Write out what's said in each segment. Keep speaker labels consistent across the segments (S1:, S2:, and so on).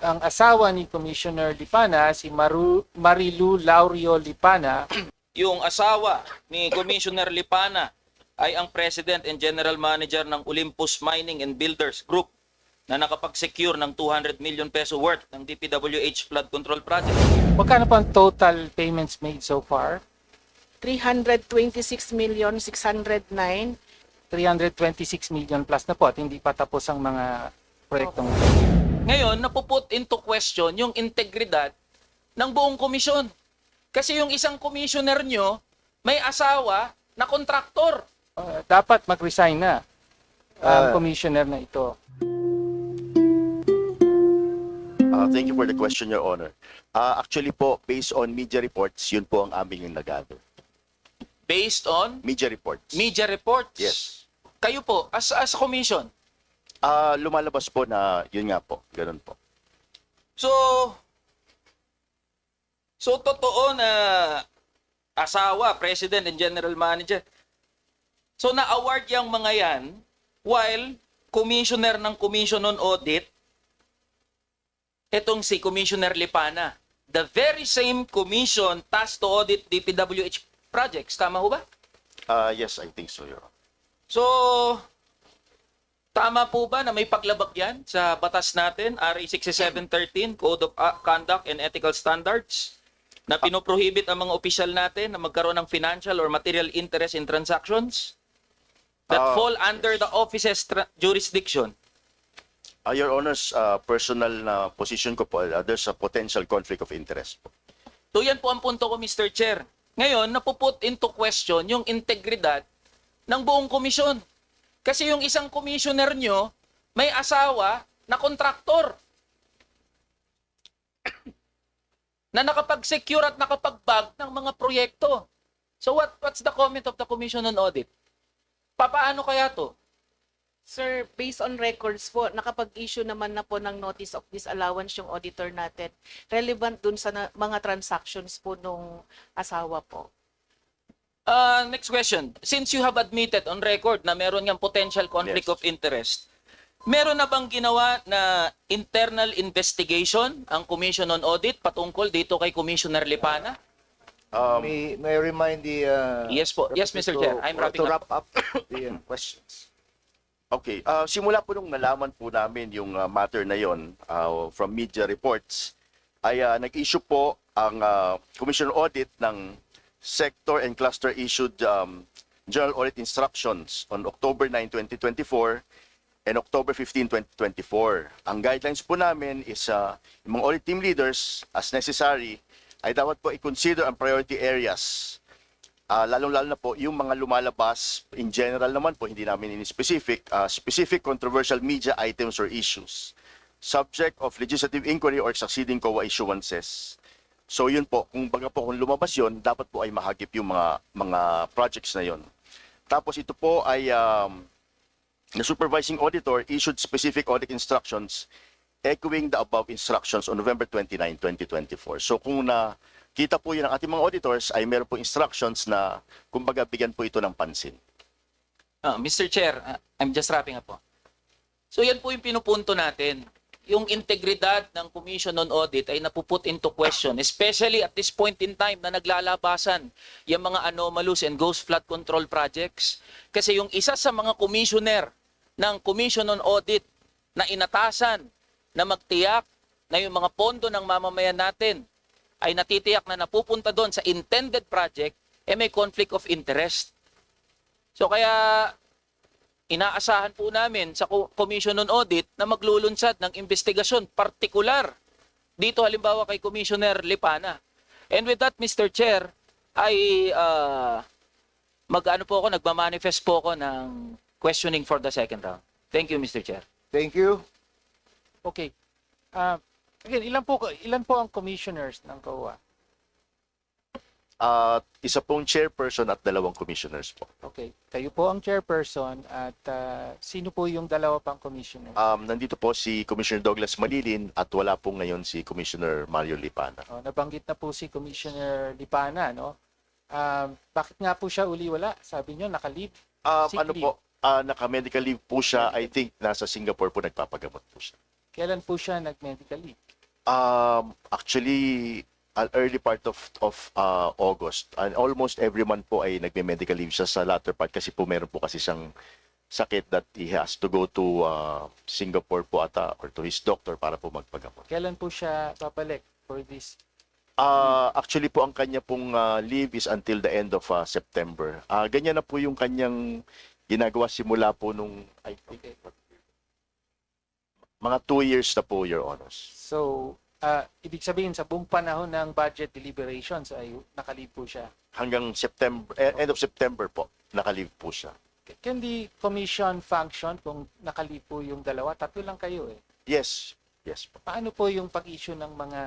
S1: ang asawa ni Commissioner Lipana, si Marilu Laurio Lipana.
S2: Yung asawa ni Commissioner Lipana ay ang President and General Manager ng Olympus Mining and Builders Group na nakapag-secure ng 200 million peso worth ng DPWH flood control project.
S1: Magkano po ang total payments made so far?
S3: 326,609,000.
S1: 326 million plus na po at hindi pa tapos ang mga proyektong ito.
S2: Ngayon, napuput into question yung integridad ng buong komisyon. Kasi yung isang commissioner nyo, may asawa na kontraktor.
S1: Dapat mag-resign na ang commissioner na ito.
S4: Thank you for the question, Your Honor. Actually po, based on media reports, yun po ang aming yung nag-gather.
S2: Based on
S4: Media reports.
S2: media reports.
S4: Yes.
S2: Kayo po, as commission.
S4: Lumalabas po na yun nga po, ganun po.
S2: So totoo na asawa, President and General Manager. So na-award yung mga yan while Commissioner ng Commission on Audit, etong si Commissioner Lipana. The very same commission tasked to audit DPWH projects. Tama ho ba?
S4: Yes, I think so, Your Honor.
S2: So, tama po ba na may paglabag yan sa batas natin, RA 6713, Code of Conduct and Ethical Standards, na pinoprohibit ang mga opisyal natin na magkaroon ng financial or material interest in transactions that fall under the office's jurisdiction?
S4: Your Honor's personal na position ko po, there's a potential conflict of interest po.
S2: So yan po ang punto ko, Mr. Chair. Ngayon, napuput into question yung integridad ng buong komisyon. Kasi yung isang commissioner nyo, may asawa na kontraktor na nakapag-secure at nakapag-bag ng mga proyekto. So what's the comment of the Commission on Audit? Papaano kaya to?
S3: Sir, based on records po, nakapag-issue naman na po ng notice of disallowance yung auditor natin. Relevant dun sa mga transactions po nung asawa po.
S2: Next question. Since you have admitted on record na meron ngang potential conflict
S4: Yes.
S2: of interest, meron na bang ginawa na internal investigation ang Commission on Audit patungkol dito kay Commissioner Lipana?
S5: May I remind the
S2: Yes po. Yes, Mr. Chair. I'm wrapping
S5: to
S2: up.
S5: wrap up the questions.
S4: Okay, simula po nung nalaman po namin yung matter na yon from media reports, ay nag-issue po ang Commission on Audit ng sector and cluster issued General Audit Instructions on October 9, 2024 and October 15, 2024. Ang guidelines po namin is yung mga audit team leaders, as necessary, ay dapat po i-consider ang priority areas. Lalong-lalo na po yung mga lumalabas, in general naman po, hindi namin in-specific, specific controversial media items or issues, subject of legislative inquiry or succeeding COA issuances. So yun po, kung lumabas yun, dapat po ay mahagip yung mga projects na yun. Tapos ito po ay the supervising auditor issued specific audit instructions echoing the above instructions on November 29, 2024. So kung nakita po yun ng ating mga auditors, ay meron po instructions na kumbaga bigyan po ito ng pansin.
S2: Mr. Chair, I'm just wrapping up po. So yan po yung pinupunto natin. Yung integridad ng Commission on Audit ay napuput into question, especially at this point in time na naglalabasan yung mga anomalous and ghost flood control projects. Kasi yung isa sa mga commissioner ng Commission on Audit na inatasan na magtiyak na yung mga pondo ng mamamayan natin ay natitiyak na napupunta doon sa intended project, may conflict of interest. So kaya inaasahan po namin sa Commission on Audit na maglulunsad ng investigasyon partikular dito halimbawa kay Commissioner Lipana. And with that, Mr. Chair, ay nagmamanifest po ako ng questioning for the second round. Thank you, Mr. Chair.
S5: Thank you.
S1: Okay. Again, ilan po ang commissioners ng COA?
S4: Isa pong chairperson at 2 commissioners po.
S1: Okay. Kayo po ang chairperson at sino po yung dalawa pang commissioner?
S4: Nandito po si Commissioner Douglas Malilin at wala po ngayon si Commissioner Mario Lipana.
S1: Nabanggit na po si Commissioner Lipana, no? Bakit nga po siya uli wala? Sabi niyo, naka-leave? Sick leave.
S4: Naka-medical leave po siya. I think nasa Singapore po nagpapagamot po siya.
S1: Kailan po siya nag-medical leave?
S4: Actually, early part of August. And almost every month po ay nagme-medical leave siya sa latter part kasi po meron po kasi siyang sakit that he has to go to Singapore po ata or to his doctor para po magpagamot.
S1: Kailan po siya babalik for this?
S4: Actually po ang kanya pong leave is until the end of September. Ganyan na po yung kanyang ginagawa simula po nung I think
S1: Okay.
S4: mga 2 years na po, Your Honors.
S1: So, ibig sabihin sa buong panahon ng budget deliberations ay nakalib po siya.
S4: Hanggang September, end of September po, naka-leave po siya.
S1: Can the commission function kung nakalib po yung dalawa? Tatlo lang kayo eh.
S4: Yes, yes po.
S1: Paano po yung pag-issue ng mga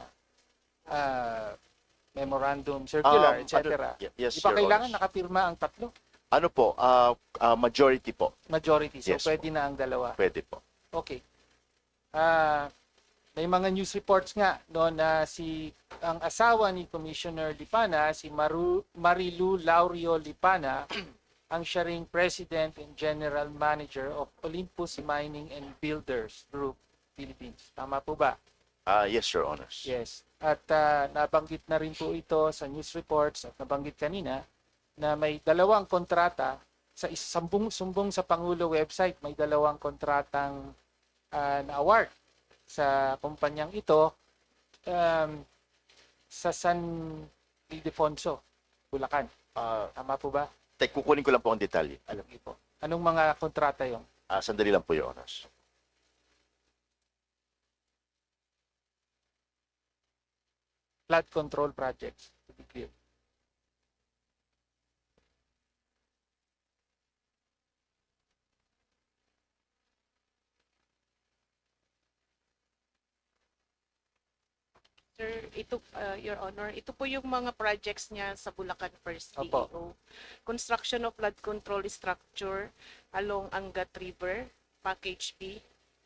S1: memorandum, circular, etc.?
S4: Yes,
S1: Di ba
S4: Your
S1: kailangan
S4: Honors.
S1: nakapirma ang tatlo?
S4: Ano po, majority po,
S1: Majority. So,
S4: Yes
S1: pwede na ang dalawa.
S4: pwede po.
S1: Okay. May mga news reports nga no na ang asawa ni Commissioner Lipana, si Marilu Laurio Lipana, ang siya ring President and General Manager of Olympus Mining and Builders Group Philippines. Tama po ba?
S4: Yes, Your Honors.
S1: Yes. At nabanggit na rin po ito sa news reports at nabanggit kanina na may dalawang kontrata sa sumbong sa Pangulo website, may dalawang kontratang na award sa kumpanyang ito sa San Ildefonso, Bulacan. Tama po ba?
S4: Kukunin ko lang po ang detalye.
S1: Alam niyo po. Anong mga kontrata yon?
S4: Sandali lang po, Your Honors.
S1: Flood control projects, to be clear.
S3: Sir, ito, Your Honor, ito po yung mga projects niya sa Bulacan First
S1: Opo.
S3: DEO. Construction of flood control structure along Angat River, Package B.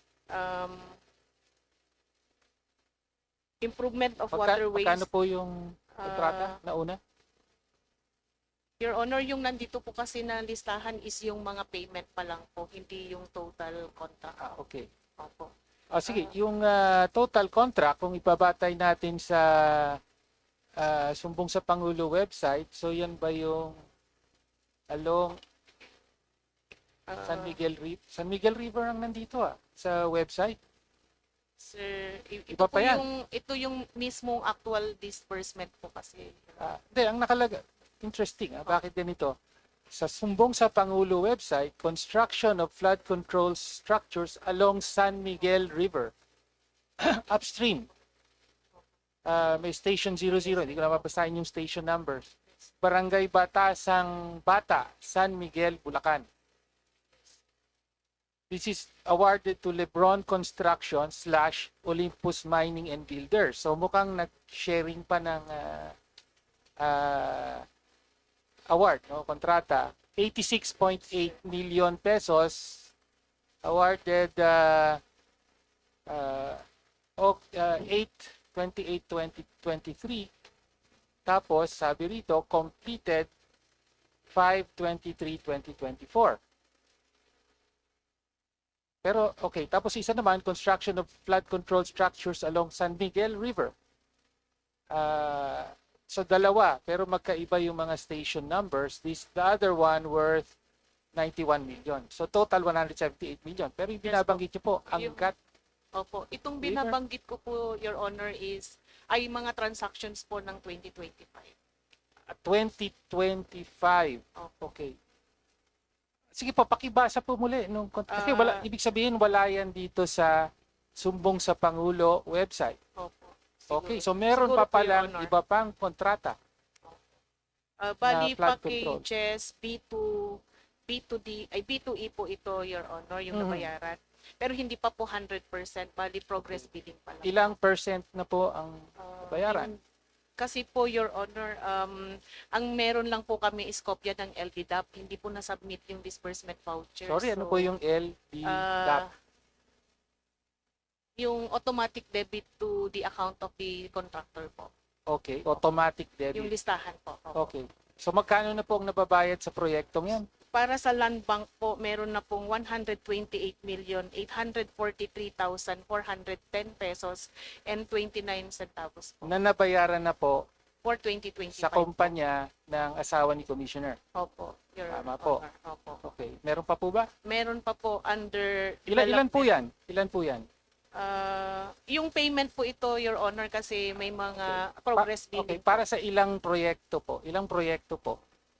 S3: Improvement of waterways.
S1: Magkano po yung kontrata na una?
S3: Your Honor, yung nandito po kasi na listahan is yung mga payment pa lang po, hindi yung total contract.
S1: Okay.
S3: Opo.
S1: Sige, yung total contract, kung ibabatay natin sa sumbong sa Pangulo website, so yan ba yung along San Miguel River ang nandito sa website?
S3: Sir, ito
S1: Iba pa
S3: po
S1: yan.
S3: ito yung mismong actual disbursement po kasi.
S1: Hindi, ang nakalaga, interesting, bakit ganito? Sa sumbong sa Pangulo website, construction of flood control structures along San Miguel River. Upstream. May station 00, hindi ko na mabasahin yung station numbers. Barangay Batasang Bata, San Miguel, Bulacan. This is awarded to Lebron Construction / Olympus Mining and Builders. So mukhang nag-sharing pa ng award, no, kontrata. 86.8 million pesos awarded 8/28/2023. Tapos sabi rito completed 5/23/2024. Pero okay, tapos isa naman construction of flood control structures along San Miguel River. So dalawa, pero magkaiba yung mga station numbers. The other one worth 91 million. So total 178 million. Pero yung binabanggit niyo po, Angat
S3: Opo, itong
S1: River?
S3: binabanggit ko po, Your Honor, ay mga transactions po ng 2025.
S1: 2025. Okay. Sige po, pakibasa po muli. Kasi ibig sabihin wala yan dito sa sumbong sa Pangulo website.
S3: Opo.
S1: Okay, so meron pa
S3: Siguro po, Your
S1: palang
S3: Honor.
S1: iba pang kontrata.
S3: Bali,
S1: flood control.
S3: packages, B2D, ay B2E po ito, Your Honor, yung
S1: Mhm.
S3: nabayaran. Pero hindi pa po 100%, bali progress billing pa lang.
S1: Ilang percent na po ang bayaran?
S3: Kasi po, Your Honor, ang meron lang po kami is kopya ng LDDAP, hindi po na-submit yung disbursement voucher.
S1: Sorry, ano
S3: So,
S1: po yung LDDAP?
S3: yung automatic debit to the account of the contractor po.
S1: Okay, automatic
S3: Yung
S1: debit.
S3: listahan po. Opo.
S1: Okay. So magkano na po ang nababayad sa proyektong yan?
S3: Para sa land bank po, meron na pong 128,843,410 pesos and 29 centavos po
S1: Na nabayaran na po
S3: for 2025.
S1: sa kumpanya ng asawa ni Commissioner.
S3: Opo, Your
S1: Tama po.
S3: Honor. Opo.
S1: Okay. Meron pa po ba?
S3: Meron pa po under
S1: Ilan po
S3: development.
S1: yan? Ilan po yan?
S3: Yung payment po ito, Your Honor, kasi may mga progress
S1: Okay,
S3: billing.
S1: para sa ilang proyekto po? Ilang proyekto po?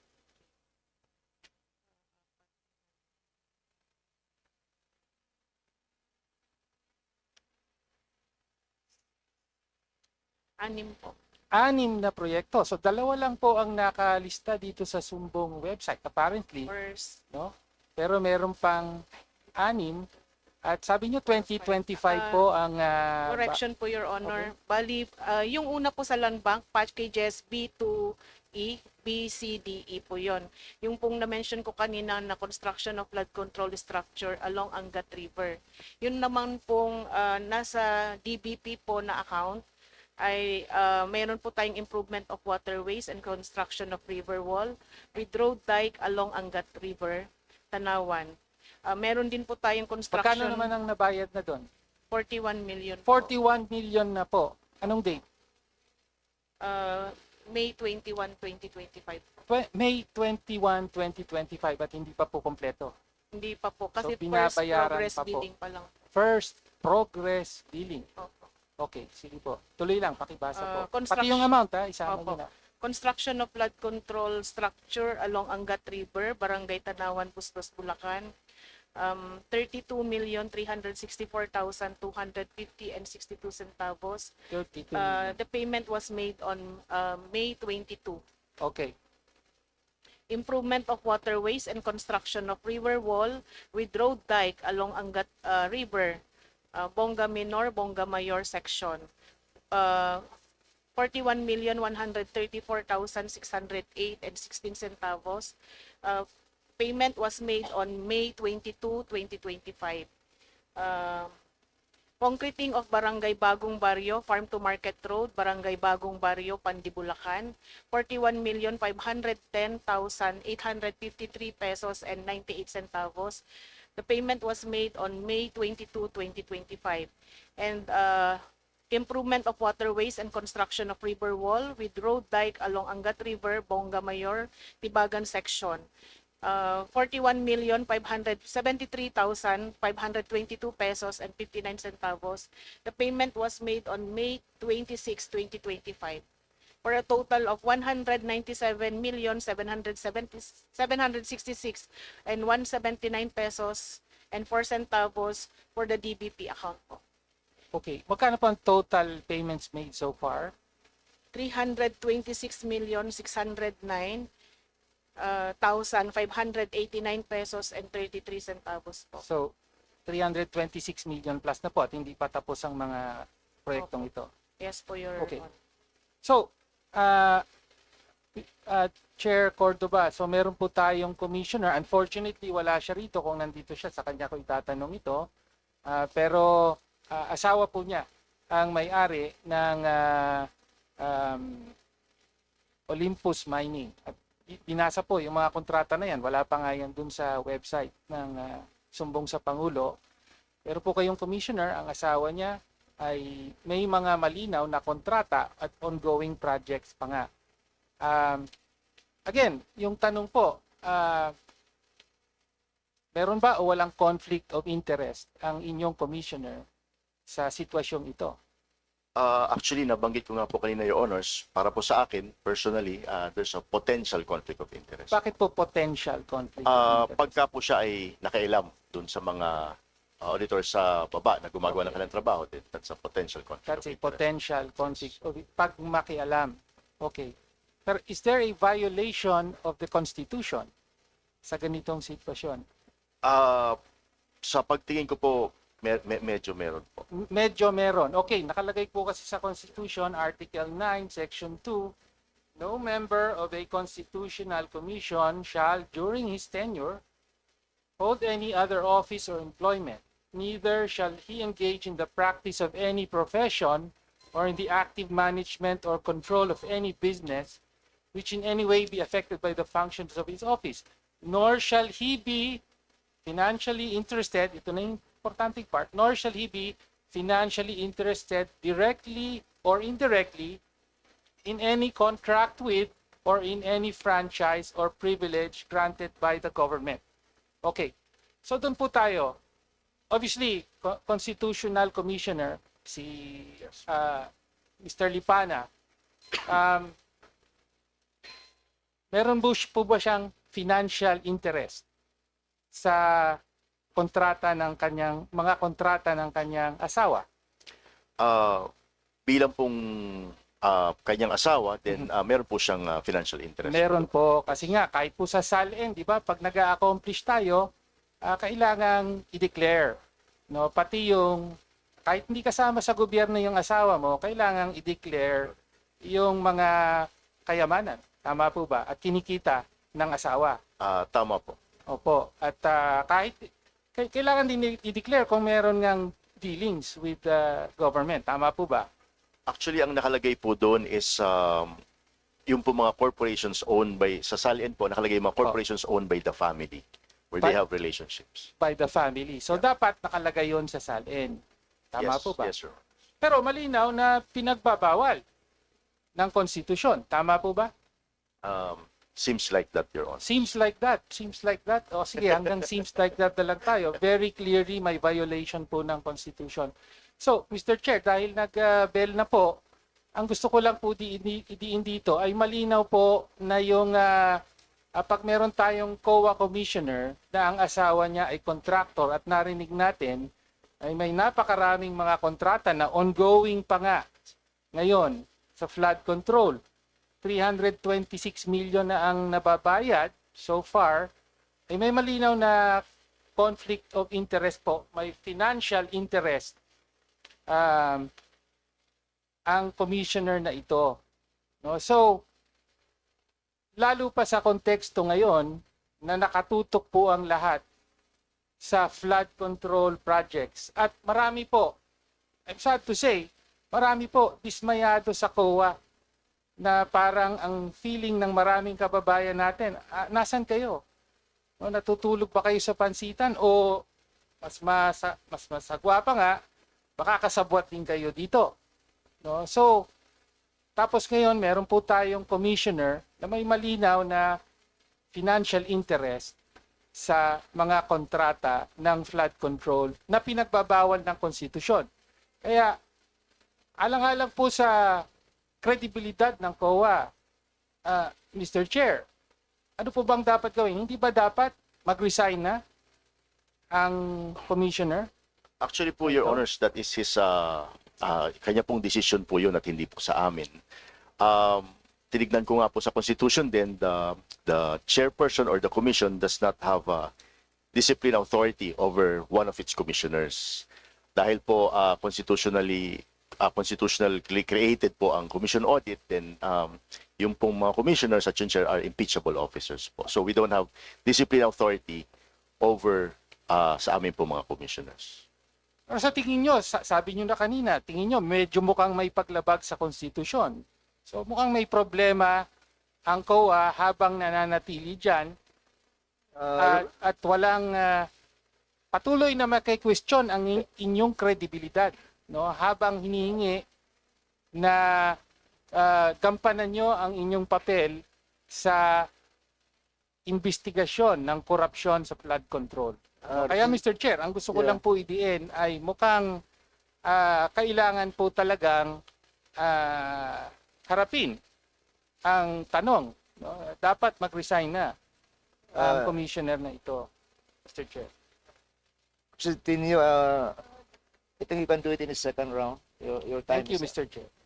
S3: Anim po.
S1: 6 na proyekto. So dalawa lang po ang nakalista dito sa Sumbong website apparently,
S3: First,
S1: no? Pero meron pang 6 at sabi niyo 2025 po ang
S3: correction po, Your Honor. Bali, yung una po sa land bank, packages B2E, B, C, D, E po yon. Yung pong na-mention ko kanina na construction of flood control structure along Angat River. Yun naman pong nasa DBP po na account ay mayroon po tayong improvement of waterways and construction of river wall with road dike along Angat River, Tanawan. Meron din po tayong construction.
S1: Magkano naman ang nabayad na doon?
S3: 41 million po.
S1: 41 million na po. Anong date?
S3: May 21, 2025.
S1: May 21, 2025 at hindi pa po kompleto.
S3: Hindi pa po. Kasi
S1: So,
S3: first
S1: binabayaran
S3: progress
S1: pa po.
S3: billing pa lang.
S1: First progress billing.
S3: Opo.
S1: Okay, sige po. Tuloy lang, pakibasa po. Pati
S3: Construction-
S1: yung amount ha, isama
S3: Opo.
S1: niyo na.
S3: Construction of flood control structure along Angat River, Barangay Tanawan, Bustos, Bulacan. 32,364,250 and 62 centavos.
S1: 32 million.
S3: The payment was made on May 22.
S1: Okay.
S3: Improvement of waterways and construction of river wall with road dike along Angat River, Bonga Minor, Bonga Mayor section. 41,134,608 and 16 centavos. Payment was made on May 22, 2025. Concreting of Barangay Bagong Barrio, Farm to Market Road, Barangay Bagong Barrio, Pandibulacan, 41,510,853 pesos and 98 centavos. The payment was made on May 22, 2025. And improvement of waterways and construction of river wall with road dike along Angat River, Bonga Mayor, Tibagan section. 41,573,522 pesos and 59 centavos. The payment was made on May 26, 2025. For a total of 197,766 and 179 pesos and 4 centavos for the DBP account po.
S1: Okay. Magkano po ang total payments made so far?
S3: 326,609,589 pesos and 33 centavos po.
S1: So, 326 million plus na po at hindi pa tapos ang mga proyektong ito.
S3: Yes po, Your
S1: Okay.
S3: Honor.
S1: So, Chair Cordoba, so meron po tayong commissioner. Unfortunately, wala siya rito. Kung nandito siya, sa kanya ko itatanong ito. Pero asawa po niya ang may-ari ng Olympus Mining. At binasa po yung mga kontrata na yan. Wala pa nga yan dun sa website ng Sumbong sa Pangulo. Pero po kayong commissioner, ang asawa niya ay may mga malinaw na kontrata at ongoing projects pa nga. Again, yung tanong po, meron ba o walang conflict of interest ang inyong commissioner sa sitwasyong ito?
S4: Actually, nabanggit ko nga po kanina, Your Honors, para po sa akin, personally, there's a potential conflict of interest.
S1: Bakit po potential conflict of interest?
S4: Pagka po siya ay nakailam dun sa mga auditor sa baba na gumagawa ng kanilang trabaho, that's a potential conflict
S1: That's
S4: of
S1: a
S4: interest.
S1: potential conflict of pag makialam. Okay. Pero is there a violation of the Constitution sa ganitong sitwasyon?
S4: Sa pagtingin ko po, medyo meron po.
S1: Medyo meron. Okay, nakalagay po kasi sa Constitution, Article 9, Section 2, no member of a constitutional commission shall, during his tenure, hold any other office or employment. Neither shall he engage in the practice of any profession or in the active management or control of any business which in any way be affected by the functions of his office. nor shall he be financially interested, ito na yung importanteng part, nor shall he be financially interested directly or indirectly in any contract with or in any franchise or privilege granted by the government. Okay, so doon po tayo. Obviously, Constitutional Commissioner, si Mr. Lipana, meron po ba siyang financial interest sa kontrata ng kanyang mga kontrata ng kanyang asawa?
S4: Bilang pong kanyang asawa, then meron po siyang financial interest.
S1: Meron po kasi nga kahit po sa SALN, di ba, pag nag-accomplish tayo, kailangang i-declare, no? Pati yung kahit hindi kasama sa gobyerno yung asawa mo, kailangang i-declare yung mga kayamanan. Tama po ba? At kinikita ng asawa.
S4: Tama po.
S1: Opo. At kailangan din i-declare kung meron ngang dealings with the government. Tama po ba?
S4: Actually, ang nakalagay po doon is yung po mga corporations owned by, sa SALN po, nakalagay mga corporations owned by the family where they have relationships.
S1: By the family. So dapat nakalagay yon sa SALN. Tama
S4: Yes,
S1: po ba?
S4: yes, sir.
S1: Pero malinaw na pinagbabawal ng konstitusyon. Tama po ba?
S4: Seems like that, Your Honor.
S1: Seems like that. Seems like that. O sige, hanggang seems like that na lang tayo. Very clearly may violation po ng Constitution. So, Mr. Chair, dahil nag-bell na po, ang gusto ko lang po diin dito ay malinaw po na yung pag meron tayong COA commissioner na ang asawa niya ay contractor at narinig natin ay may napakaraming mga kontrata na ongoing pa nga ngayon sa flood control. 326 million na ang nababayad so far, ay may malinaw na conflict of interest po, may financial interest ang commissioner na ito. No? So, lalo pa sa konteksto ngayon na nakatutok po ang lahat sa flood control projects. At marami po, I'm sad to say, marami po dismayado sa COA na parang ang feeling ng maraming kababayan natin, nasan kayo? No, natutulog pa kayo sa pansitan o mas masagwa pa nga, baka kasabwat din kayo dito. No? So, tapos ngayon meron po tayong commissioner na may malinaw na financial interest sa mga kontrata ng flood control na pinagbabawal ng konstitusyon. Kaya, alang-alang po sa kredibilidad ng COA, Mr. Chair, ano po bang dapat gawin? Hindi ba dapat mag-resign na ang commissioner?
S4: Actually po, Your Honors, that is his, kanya pong decision po yun at hindi po sa amin. Tinignan ko nga po sa Constitution din, the chairperson or the commission does not have discipline authority over one of its commissioners. Dahil po constitutionally created po ang commission audit, then yung pong mga commissioners at yung chair are impeachable officers po. So we don't have discipline authority over sa amin po mga commissioners.
S1: Pero sa tingin nyo, sabi nyo na kanina, tingin nyo medyo mukhang may paglabag sa konstitusyon. So mukhang may problema ang COA habang nananatili dyan at walang patuloy na maki-question ang inyong kredibilidad, no? Habang hinihingi na gampanan nyo ang inyong papel sa investigasyon ng korupsyon sa flood control. Kaya Mr. Chair, ang gusto ko lang po idiin ay mukhang kailangan po talagang harapin ang tanong. No? Dapat mag-resign na ang commissioner na ito, Mr. Chair.
S5: So, I think you can do it in the second round. Your time
S1: Thank you,
S5: is up.
S1: Mr. Chair.